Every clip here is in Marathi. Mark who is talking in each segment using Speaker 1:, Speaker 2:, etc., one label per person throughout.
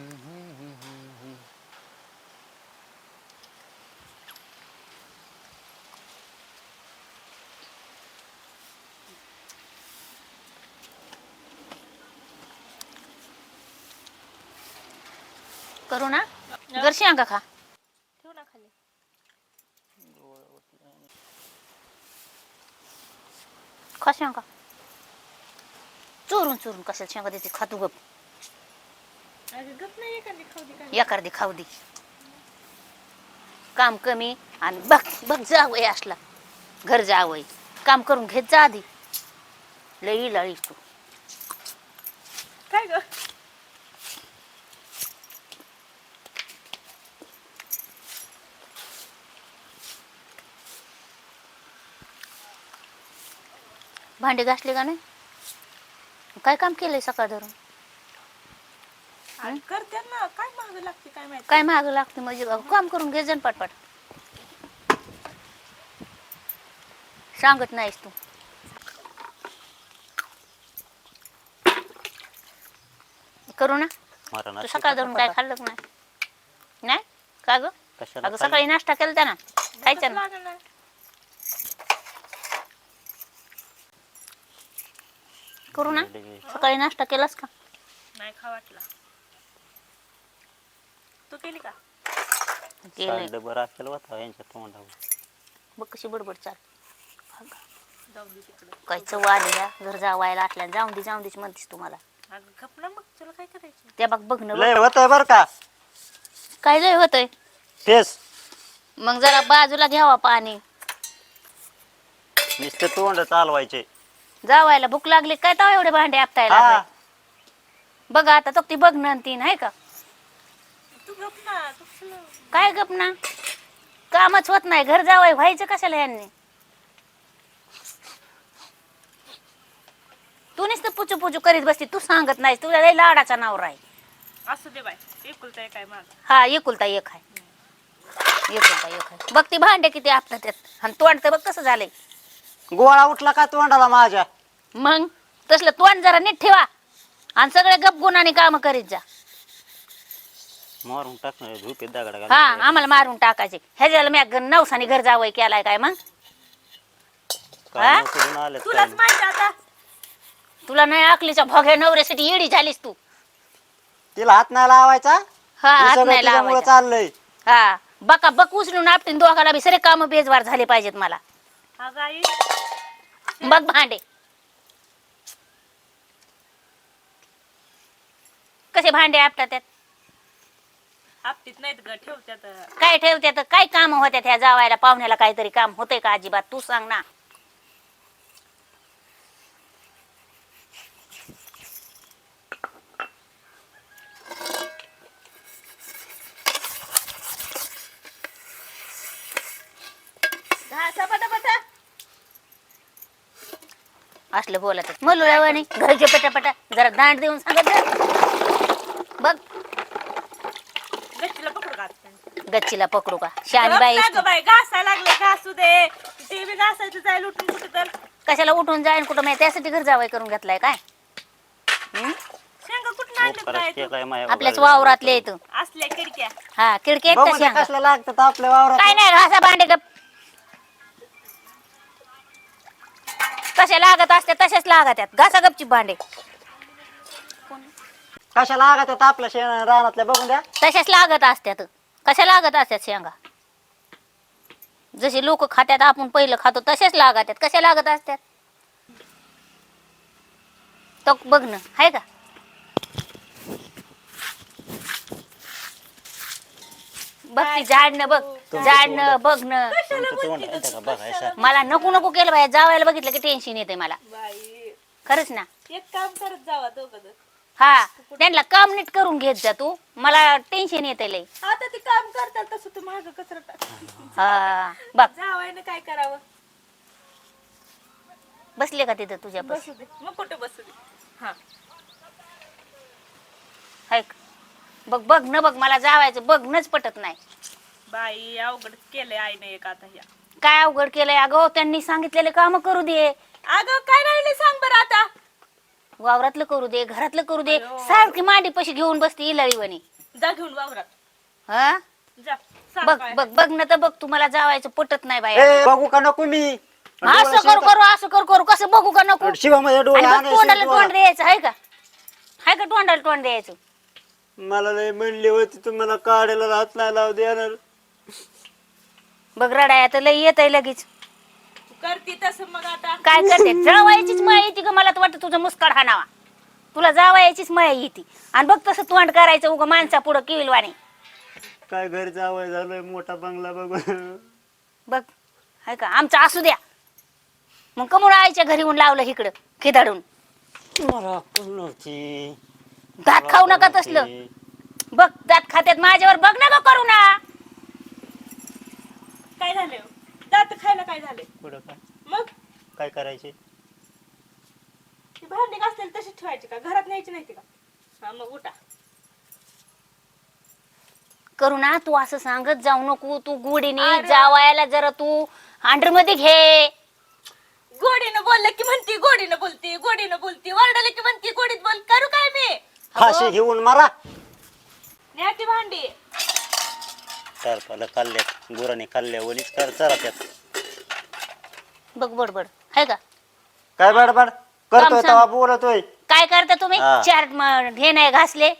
Speaker 1: करू ना गरशी अंका खा
Speaker 2: ठेव ना खाली.
Speaker 1: खा शेंगा चोरून चोरून कशाला शेंगा देते खातू गप
Speaker 2: अगं गप नाही एखादी खाऊ दे काय.
Speaker 1: एखादी खाऊ दे काम कमी आणि बघ बघ जावय असला घर जावय काम करून घेत जा आधी लई लळी तू
Speaker 2: काय ग
Speaker 1: भांडे घासले का नाही काय काम केलंय सकाळ धरून
Speaker 2: करते ना काय महाग लागते काय माहिती.
Speaker 1: काय माग लागते म्हणजे काम करून घे जण पटपट सांगत नाहीस तू करू ना तू सकाळ धरून काय खाल्लं का नाही का ग अगं सकाळी नाश्ता केला ना खायचा ना करू ना सकाळी नाश्ता केलास का
Speaker 2: नाही खा वाटला. तू केली का
Speaker 1: केलंय
Speaker 3: बरं असेल होता यांच्या तोंडावर
Speaker 1: बघ कशी बडबड चाल
Speaker 2: जाऊ दे तिकडे.
Speaker 1: काय चव आलेल्या घर जावायला असल्या जाऊन देच म्हणतेस तुम्हाला
Speaker 2: अगं गप ना मग तुला काय करायचं.
Speaker 1: त्या बघ ना
Speaker 3: लय होतंय बरं का
Speaker 1: काय लय होतंय
Speaker 3: तेच
Speaker 1: मग जरा बाजूला घ्यावा पाणी
Speaker 3: नुसते तोंड चालवायचे
Speaker 1: जावायला भूक लागली काय तर एवढे भांडे आपटायला
Speaker 3: हा.
Speaker 1: लागले? बघा आता तो ती बघ ना तीन आहे का
Speaker 2: तू गप ना तू
Speaker 1: काय गप ना कामच होत नाही घर जावाय व्हायचं कशाला यांनी तू नुसतं पुचू पुचू करीत बसती तू सांगत नाही तुला लय लाडाचा नवरा आहे.
Speaker 2: असू दे बाय एकुलता काय माझा.
Speaker 1: हा एकुलता एक आहे बघ ती भांडे किती आपलं त्यात आणि तोंड तर बघ कसं झालंय
Speaker 3: गोळा उठला का तोंडाला माझ्या
Speaker 1: मग तसलं तोंड जरा नीट ठेवा आणि सगळे गप गुणाने काम करीत जा.
Speaker 3: मारून टाकणार झोपेत दगड
Speaker 1: हा आम्हाला मारून टाकायचे ह्याच्याला मी नवसाने घर जावं केलाय काय मग
Speaker 2: तुलाच माहिती आता
Speaker 1: तुला नाही आकलीच्या भोग्या नवऱ्यासाठी येडी झालीस तू
Speaker 3: तिला हात नाही लावायचा
Speaker 1: हा
Speaker 3: हे
Speaker 1: हात
Speaker 3: सगळं
Speaker 1: नाही
Speaker 3: तिच्यामुळं
Speaker 1: लावायचा
Speaker 3: चाललंय
Speaker 1: हा बका बक उचलून आपटीन दोघाला बी सरे काम बेजवार झाले पाहिजेत मला
Speaker 2: अगं आई
Speaker 1: बघ भांडे कसे भांडे आपटा त्यात
Speaker 2: आपटीत नाहीत ग ठेवत्यात.
Speaker 1: काय ठेवत्यात काय काम होत्यात ह्या जावायला पाहुण्याला काहीतरी काम होतंय का अजिबात तू सांग ना असलं बोलत मुलावानी घरचे पटापटा जरा दांड देऊन सांगत जा. बघ
Speaker 2: गच्चीला पकडू का आता?
Speaker 1: गच्चीला पकडू का शानी बाई
Speaker 2: गप ना गं बाई घासायला लागले घासू दे ते बी घासायचं जाईल उठून कुठे तर
Speaker 1: कशाला उठून जाईन कुठं माहिती त्यासाठी घर जावई करून घेतलाय काय
Speaker 2: शेंगा कुठून आणलं काय तू?
Speaker 1: आपल्याच वावरातले येत
Speaker 2: असल्या खिडक्या
Speaker 1: हा खिडकी
Speaker 3: बघू दे कसलं लागतात आपल्या वावरात
Speaker 1: काय नाही घासा भांडे गप कशा लागत असते तशाच लागत आहेत घासा गपची भांडे
Speaker 3: कशा लागतात आपल्या रानातल्या बघून द्या
Speaker 1: तशाच लागत असत्यात कशा लागत असतात शेंगा जसे लोक खात्यात आपण पहिलं खातो तसेच लागत आहेत कशा लागत असतात तो बघ ना आहे का बघ ती झाडणं बघ झाडणं बघणं
Speaker 3: तोंड आहे का बघायचं
Speaker 1: मला नको नको केलं बाय जावायला बघितलं की टेन्शन येते मला
Speaker 2: बाई
Speaker 1: खरंच ना
Speaker 2: एक काम करत जावा दोघं जण.
Speaker 1: हा त्यांना काम नीट करून घेत जा तू मला टेन्शन येते लय
Speaker 2: आता ते काम करतात तसं तू माझं कचरा टाक
Speaker 1: हा बघ
Speaker 2: जावायनं काय करावं
Speaker 1: बसले का तिथं तुझ्या बस
Speaker 2: बसू दे मग कुठे बसू दे हा
Speaker 1: ऐक बघ बघ न बघ मला जावायचं बघणंच पटत नाही
Speaker 2: बाई अवघड केलंय आईने एक आता ह्या
Speaker 1: काय अवघड केलंय अगं त्यांनी सांगितलेले काम करू दे
Speaker 2: अगं काय राहिले सांग बरं आता
Speaker 1: वावरातलं करू दे, घरातलं करू दे, सारखी मांडी पशी घेऊन बसते इलाळीवाणी.
Speaker 2: जा घेऊन वावरात
Speaker 1: हा
Speaker 2: जा सांग
Speaker 1: बघ
Speaker 2: काय.
Speaker 1: बघ बघ ना तर बघ, तुम्हाला जावायचं पटत नाही बाई.
Speaker 3: ए बघू का नको मी
Speaker 1: असं करू करू असं करू करू कसं बघू का नको?
Speaker 3: शिवामध्ये डोळे
Speaker 1: आणि बघ, तोंडाला
Speaker 3: आणायचे
Speaker 1: तोंड द्यायचं आहे का? आहे का तोंडाला तोंड द्यायचं?
Speaker 3: मला लय म्हणली होती तुम्हाला काढायला हात नाही लावू देणार.
Speaker 1: बघ रडाया तर लई येत आहे लगेच.
Speaker 2: करती तसं मग आता
Speaker 1: काय करते? जावायचीच माया येते का? मला तर वाटतं तुझं मुस्काड हाणावा. तुला जावायचीच माया येते. आणि बघ तसं तोंड करायचं उगा माणसा पुढं किविलवाणी.
Speaker 3: काय घर जावं झालंय मोठा बंगला बघून.
Speaker 1: बघ आहे का? आमचं असू द्या. मग कमून आईच्या घरी येऊन लावलं इकडं खिदाडून.
Speaker 3: मला अक्कल नव्हती.
Speaker 1: दात खाऊ नका तसलं. बघ दात खात्यात माझ्यावर बघ ना ग करू ना.
Speaker 2: काय झालं दात खायला काय झाले
Speaker 3: पुढं काय
Speaker 2: मग
Speaker 3: काय करायचे?
Speaker 2: ती भांडी घासलेली तशीच ठेवायची का घरात न्यायची नाही का? हा मग उठा.
Speaker 1: करू ना तू असं सांगत जाऊ नको. तू गोडीने
Speaker 2: अरे.
Speaker 1: जावायला जरा तू अंडर मध्ये घे.
Speaker 2: गोडीनं बोललं की म्हणती गोडीनं बोलती गोडीनं बोलती वरडलं की म्हणती गोडीत बोल. करू काय मी
Speaker 3: फाशी घेऊन मारा.
Speaker 2: न्या ती भांडी.
Speaker 3: सरपाला खाल्ल्या गुराने खाल्ल्या वलीच कर चरा त्यात.
Speaker 1: बघ बडबड आहे का?
Speaker 3: काय बडबड करतोय
Speaker 1: काम सांग.
Speaker 3: तेव्हा बोलतोय.
Speaker 1: काय करता तुम्ही?
Speaker 3: हा.
Speaker 1: चार हे नाही घासले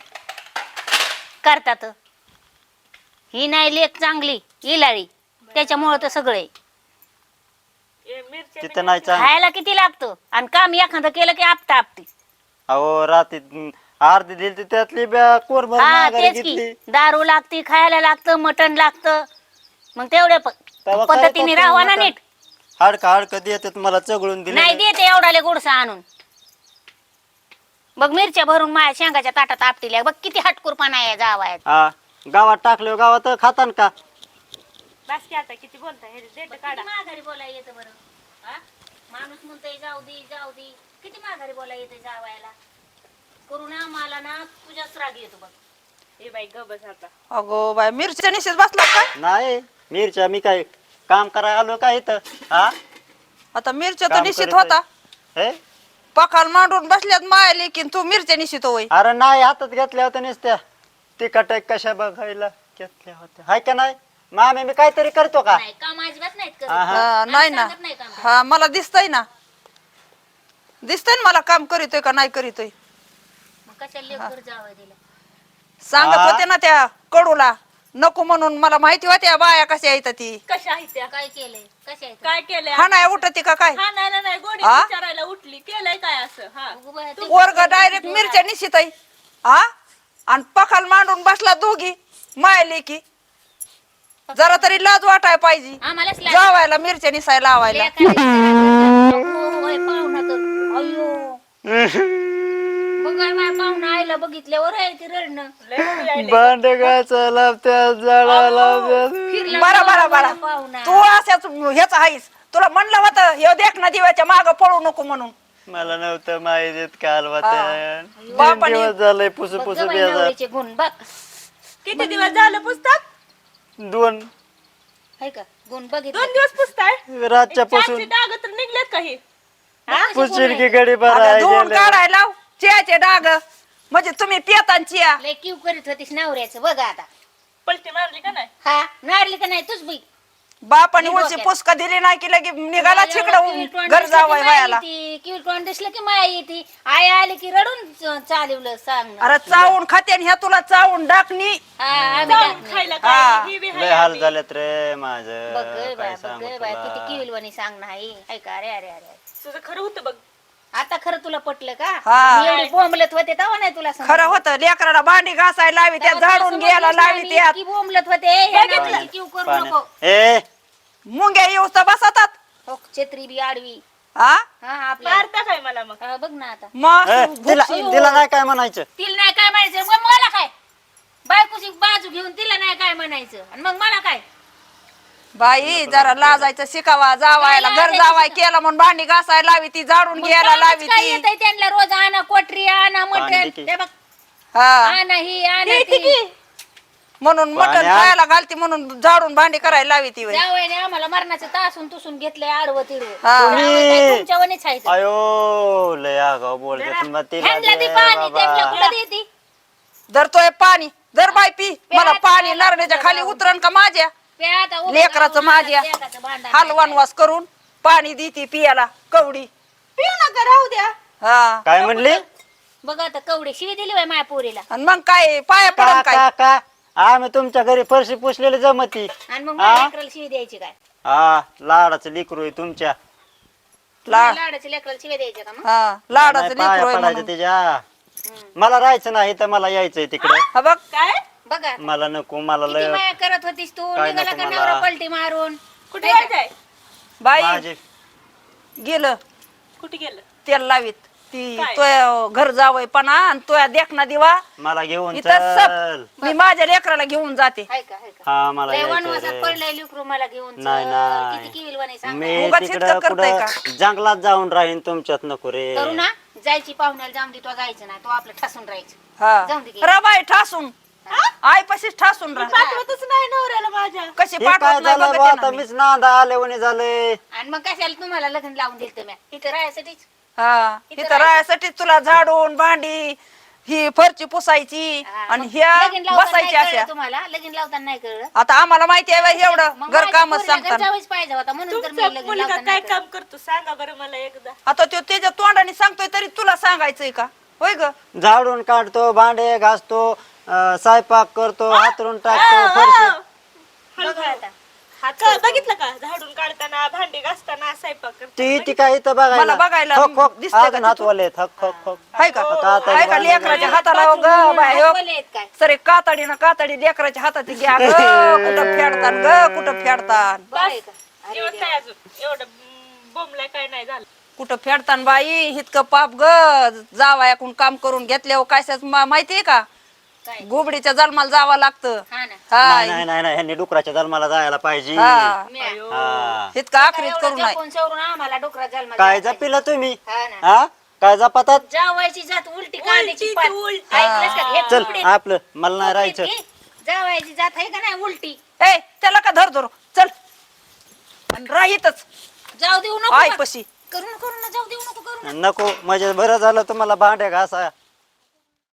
Speaker 1: करतात. ही नाही लेख चांगली इलाळी त्याच्यामुळं तर सगळे
Speaker 2: ए, मिरच्या
Speaker 3: तिथं नाही चांग
Speaker 1: खायला किती लागतं आणि काम एखादं केलं की आपता आपती.
Speaker 3: अहो रात्री अर्धी दिली त्यातली कोर भरून
Speaker 1: हा
Speaker 3: माघारी
Speaker 1: तेच
Speaker 3: घेतली.
Speaker 1: की दारू लागती, खायला लागतं, मटण लागतं. मग तेवढ्या
Speaker 3: तेव्हा काय
Speaker 1: पद्धतीने
Speaker 3: करतो
Speaker 1: राहावा ना
Speaker 3: मटण?
Speaker 1: नीट.
Speaker 3: हाडकं देतात मला चगळून दिले.
Speaker 1: नाही देते एवढाले गोडसा आणून. बघ मिरच्या भरून माझ्या शेंगाच्या ताटात आपटील्या. बघ किती हटकुरपणा आहे जावायत.
Speaker 3: हा गावात टाकले गावात खातान का?
Speaker 2: बस की आता किती बोलताय हे देठ काढा.
Speaker 1: माघारी बोलायला येतं बरं? हा? माणूस म्हणतोय जाऊ दे जाऊ दे. किती माघारी बोलायला येते जावायला? करू ना मला ना तुझ्याच राग येतो बघ.
Speaker 2: ए बाई ग बस आता.
Speaker 4: अगो बाय मिरच्या निश्चित बसला का?
Speaker 3: नाही मिरच्या मी काय काम करायला आलो का इथं? हा
Speaker 4: आता मिरच्या तर
Speaker 3: काम
Speaker 4: निश्चित
Speaker 3: करत
Speaker 4: होता.
Speaker 3: हे
Speaker 4: पखाल मांडून बसल्यात माया लेकीन तू मिरच्या निश्चित होय.
Speaker 3: अरे नाही हातात घेतल्या होत्या नुसत्या. तिखट कशा बघायला घेतल्या होत्या हाय का नाही? मामी मी काहीतरी करतो का?
Speaker 1: नाही काम अजिबात नाहीत करत.
Speaker 3: हा, हा.
Speaker 4: नाही ना.
Speaker 1: सांगत नाही काम.
Speaker 4: हा मला दिसतंय ना. दिसतंय ना मला काम करीतोय का नाही करीतोय.
Speaker 1: मग कशाला लेकर जावं दिलं?
Speaker 4: सांगत
Speaker 3: हा.
Speaker 4: होते ना त्या कडूला नको म्हणून. मला माहिती होत्या बाया कशा येतात ती.
Speaker 2: कशा आहेत त्या
Speaker 1: काय केलंय? कशा आहेत?
Speaker 2: काय केलंय
Speaker 4: हा नाही उठती का काय?
Speaker 2: हा नाही नाही गोडी
Speaker 4: हा?
Speaker 2: विचारायला उठली केलंय काय असं हा
Speaker 1: अगो बाया, ते
Speaker 4: वर्ग डायरेक्ट मिरच्या निश्चित आहे. हा आणि पखाल मांडून बसला दोघी माया लेकी. जरा तरी लाज वाटाय पाहिजे.
Speaker 1: आम्हालाच लाज.
Speaker 4: जावायला मिरच्या निसायला लावायला.
Speaker 1: अगो, होय, पाहुणा तर. अय्यो. बघाय माझ्या पाहुणा आईला बघितल्यावर आहे ते रडणं.
Speaker 2: लय उभी राहिली.
Speaker 3: भांडगाचा लावत्या जाळा लावत्या.
Speaker 1: फिरला
Speaker 4: बरा बरा बरा
Speaker 1: पाहुणा.
Speaker 4: तू असाच ह्याच आहेस. तुला म्हणलं होतं हे देख ना दिव्याच्या माग पळू नको म्हणून.
Speaker 3: मला नव्हतं माहिती देत काल वाट्या.
Speaker 4: बापाने-
Speaker 3: दिवस झालंय पुसू
Speaker 1: बघ
Speaker 3: पुसू
Speaker 1: गं बाई
Speaker 3: बेजार.
Speaker 1: नवरीचे गुण बघ.
Speaker 2: किती दिवस झालं पुस्तक
Speaker 3: 2
Speaker 1: आहे का? गुण बघितलं.
Speaker 2: 2 दिवस पुसताय
Speaker 3: रातच्या पासून
Speaker 2: डाग तर निघलेत काही
Speaker 3: पुशील की गडी बरा
Speaker 4: आता
Speaker 3: आहे
Speaker 4: धुवून
Speaker 3: गेल्या.
Speaker 4: काढायला लाव चियाचे डाग. म्हणजे तुम्ही पियतान चिया.
Speaker 1: लय किव करीत होतीस नवऱ्याचं बघ आता.
Speaker 2: पलटी मारली का नाही
Speaker 1: हा नारली का नाही तुझ बी?
Speaker 4: बापाने
Speaker 1: मी
Speaker 4: उलची
Speaker 1: डोक्यात.
Speaker 4: पुसका दिली नाही की लगे निघाला
Speaker 1: एवढं
Speaker 4: छिकडं
Speaker 1: किवटवाण
Speaker 4: घर
Speaker 1: दिसलं
Speaker 4: जावाय
Speaker 1: की माया
Speaker 4: वयाला.
Speaker 1: येती. किवटवाण दिसलं की माया येते. आई आली की रडून चालवलं सांग ना.
Speaker 4: अरे चावून खाते आणि ह्या तुला चावून डाकणी.
Speaker 1: हा आम्ही
Speaker 2: जाऊन
Speaker 1: टाकलं.
Speaker 2: खायला
Speaker 4: हा.
Speaker 2: काय ही बी हाय
Speaker 3: लय हाल
Speaker 2: आम्ही.
Speaker 3: झालेत रे
Speaker 1: बघ
Speaker 3: माझं
Speaker 1: गं
Speaker 3: काय
Speaker 1: बाय बघ
Speaker 3: सांगू
Speaker 1: गं बाय किती
Speaker 3: तुला.
Speaker 1: किविलवाणी सांग नाही ऐका अरे अरे अरे
Speaker 2: तुझं खरं होतं बघ
Speaker 1: आता खरं तुला पटलं का?
Speaker 4: हा.
Speaker 1: मी एवढी बोंबलत होते तेव्हा नाही तुला समजलं.
Speaker 4: खरं होतं लेकराला भांडी घासायला लावी त्या
Speaker 1: तेव्हा तुला
Speaker 4: झाडून घ्यायला
Speaker 1: समजलंच नाही.
Speaker 4: लावी
Speaker 1: मी
Speaker 4: त्यात
Speaker 1: इतकी बोंबलत होते ह्या नवरीची किव करू
Speaker 3: पाण्या-
Speaker 1: नको.
Speaker 3: ए
Speaker 4: मुंग्या येऊस तर बसतात.
Speaker 1: हो, छत्री बी आडवी.
Speaker 4: हा
Speaker 1: हा आपल्या
Speaker 2: मारता काय मला मग
Speaker 1: हा, बघ ना आता
Speaker 4: मग
Speaker 3: ए, तिला नाही काय म्हणायचं.
Speaker 1: तिला नाही काय म्हणायचं मग मला काय? बायकोची बाजू घेऊन तिला नाही काय म्हणायचं आणि मग मला काय?
Speaker 4: बाई जरा लाजायचं शिकावा जावायला. घर जावाय केलं म्हणून भांडी घासायला लावी ती झाडून
Speaker 1: मग
Speaker 4: घ्यायला
Speaker 1: कामच
Speaker 4: लावी
Speaker 1: काय
Speaker 4: ती.
Speaker 1: येतंय त्यांना रोज आणा कोटरी आणा मटण
Speaker 3: भांडी की.
Speaker 1: ते बघ
Speaker 4: हा
Speaker 1: आणा ही आणा
Speaker 2: येते
Speaker 1: ती.
Speaker 2: की
Speaker 4: म्हणून मटण
Speaker 3: पाण्या-
Speaker 4: खायला घालती म्हणून झाडून भांडी करायला लावी ती
Speaker 1: जावयाने आम्हाला मरणाचं तासून तुसून घेतलंय आडवं तिडवं
Speaker 4: हा.
Speaker 3: तुम्ही-
Speaker 1: तुमच्या वनीच आहे ते.
Speaker 3: अयो लय आगाव बोलते तुम्हाला तिला
Speaker 1: ह्यांना
Speaker 3: दे
Speaker 1: ती पाणी
Speaker 3: बाबा.
Speaker 1: त्यांना कुठं देती?
Speaker 4: धरतोय पाणी धर बाय पी मला
Speaker 1: प्यायचं
Speaker 4: पाणी
Speaker 1: नाही
Speaker 4: नारळाच्या
Speaker 1: लागतं
Speaker 4: खाली
Speaker 1: जाऊन.
Speaker 4: उतरण का माझ्या
Speaker 1: प्या आता उभं
Speaker 4: लेकराचं
Speaker 1: राहून
Speaker 4: माझ्या
Speaker 1: लेकराचं भांडण
Speaker 4: हलवान वास करून पाणी देती पियाला कवडी
Speaker 2: पिऊ नका राहू द्या.
Speaker 4: हा
Speaker 3: काय म्हणली
Speaker 1: बघ आता कवडे शिवी दिली बाई माझ्या पोरीला
Speaker 4: आणि मग काय पाया
Speaker 3: का
Speaker 4: पडन काय
Speaker 3: का का आम्ही तुमच्या घरी फरशी पुसलेली जमती
Speaker 1: आणि मग
Speaker 3: हा?
Speaker 1: माझ्या लेकराला शिवी द्यायची काय
Speaker 3: हा लाडाचं लिकरू आहे तुमच्या
Speaker 4: ला-
Speaker 1: लाडाच्या लेकराला शिवी द्यायची का मग
Speaker 4: हा लाडाचं
Speaker 3: नाही पाया
Speaker 4: लेकरू आहे
Speaker 3: पडायचं
Speaker 4: म्हणून.
Speaker 3: त्याच्या मला राहायचं नाही तर मला यायचंय तिकडे
Speaker 4: हा बघ
Speaker 2: काय
Speaker 1: बघा
Speaker 3: मला नको मला
Speaker 1: किती
Speaker 3: लय
Speaker 1: माया करत होतीस तू
Speaker 3: काय
Speaker 1: निघाला
Speaker 3: नको
Speaker 1: का
Speaker 3: मला.
Speaker 1: नवरा पलटी मारून
Speaker 2: कुठे जायचंय?
Speaker 4: बाई
Speaker 3: माझे
Speaker 4: गेलं
Speaker 2: कुठे गेलं?
Speaker 4: तेल लावीत ती
Speaker 2: काय?
Speaker 4: तो घर जावय पणा आणि तो देखना दिवा
Speaker 3: मला घेऊन
Speaker 4: इथं
Speaker 3: चल
Speaker 4: सब मी माझ्या लेकराला घेऊन जाते
Speaker 1: हाय का हाय का
Speaker 3: हा मला
Speaker 1: लय
Speaker 3: यायचंय
Speaker 1: वनवासात
Speaker 3: रे.
Speaker 1: पडलंय लेकरू मला घेऊन चल.
Speaker 3: नाही, नाही.
Speaker 1: किती किविल वने सांग
Speaker 3: मी
Speaker 4: उगाच
Speaker 3: तिकडं
Speaker 4: इतकं करताय
Speaker 3: कुठं जंगलात जाऊन राहीन तुमच्यात नको रे
Speaker 1: करू ना जायची पाहुण्याला जाऊन दे तो जायचं नाही तो आपलं ठसून राहायचं
Speaker 4: हा
Speaker 1: जाऊन दे की.
Speaker 4: रा बाई ठासून आईपाशीच ठासून राहा
Speaker 2: पाठवतच नाही नवऱ्याला माझ्या.
Speaker 4: कशी
Speaker 3: हे काय
Speaker 4: पाठवत नाही
Speaker 3: झालं
Speaker 4: बघते
Speaker 3: बा
Speaker 4: ना
Speaker 3: आता
Speaker 4: मी.
Speaker 3: मीच नांदा आले म्हणे झालंय
Speaker 1: आणि मग कशाला तुम्हाला लग्न लावून दिलं तुम्ही इथं राहायसाठीच
Speaker 4: हा इथं राहायसाठी तुला झाडून भांडी ही फरची पुसायची
Speaker 1: हा,
Speaker 4: आणि
Speaker 1: मग
Speaker 4: ह्या
Speaker 1: लगीन लावताना
Speaker 4: बसायची
Speaker 1: नाही कळलं
Speaker 4: अशा
Speaker 1: तुम्हाला लगीन लावताना नाही कळलं
Speaker 4: आता आम्हाला माहिती आहे बाई एवढं
Speaker 1: मग
Speaker 4: घर
Speaker 1: माझ्या
Speaker 4: कामच
Speaker 1: पोरीला
Speaker 4: सांगतात
Speaker 1: घरच्यावेळीच पाहिजे होता म्हणून तर मी
Speaker 2: तुमचा
Speaker 1: लगीन
Speaker 2: मुलगा
Speaker 1: लावताना
Speaker 2: काय
Speaker 1: नाही
Speaker 2: काम करतो सांगा बरं मला एकदा.
Speaker 4: आता तो त्याच्या तोंडाने सांगतोय तरी तुला सांगायचंय का होय ग
Speaker 3: झाडून काढतो भांडे घासतो स्वयंपाक करतो हातरून टाकतो फरशी
Speaker 1: कळलं. बघा आता
Speaker 2: का बघितलं का झाडून काढताना भांडी घासताना स्वयंपाक करताना.
Speaker 3: ती काय इथं
Speaker 4: मला
Speaker 3: बघायला
Speaker 4: बघायला
Speaker 3: हक, हक.
Speaker 4: दिसतंय का
Speaker 3: अजून हात वाले हक हक हक
Speaker 4: हाय का
Speaker 3: कातडी
Speaker 4: हाय का
Speaker 3: बांधली
Speaker 4: लेकराच्या
Speaker 3: बाई.
Speaker 4: हाताला ग बाय हो.
Speaker 1: बोलले आहेत काय
Speaker 4: सरे कातडीनं कातडी लेकराच्या हातात घ्या ग कुठं फेडतान ग कुठं फेडतान
Speaker 1: बरं आहे का अरे
Speaker 2: एवढं काय अजून एवढं बोंबलाय काय नाही झालं.
Speaker 4: कुठं फेडतान बाई इतकं पाप ग जावायाकडून काम करून घेतल्यावर काय माहितीये का
Speaker 1: काय
Speaker 4: घोबडीच्या जन्माला जावं लागतं
Speaker 1: हा ना
Speaker 4: हा
Speaker 3: नाही नाही नाही ह्यांनी डुकराच्या जन्माला जायला पाहिजे
Speaker 4: हा
Speaker 1: मी
Speaker 3: हा.
Speaker 4: इतकं आखरीत करू
Speaker 1: एवढं
Speaker 4: नये
Speaker 1: जपून सवरून आम्हाला डोकरा जन्माला
Speaker 3: काय
Speaker 1: द्यायचा.
Speaker 3: जपिला तुम्ही
Speaker 1: हा ना
Speaker 3: हा काय जपातात
Speaker 1: जावायची जात उलटी कांद्याची
Speaker 2: उलटी
Speaker 1: पात
Speaker 2: ती उलटी.
Speaker 1: ऐकलंस का हे
Speaker 3: चल
Speaker 1: तुकडे-
Speaker 3: आपलं मला नाही राहायचं
Speaker 1: तुकडे घे. जावायची जात आहे का नाही उलटी
Speaker 4: ए त्याला का धर धर चल आणि राहीतच
Speaker 1: जाऊ देऊ नको
Speaker 4: आई
Speaker 1: बा.
Speaker 4: पशी
Speaker 1: करू नको करू ना जाऊ देऊ नको करू ना
Speaker 3: नको म्हणजे बरं झालं तुम्हाला भांडे घासा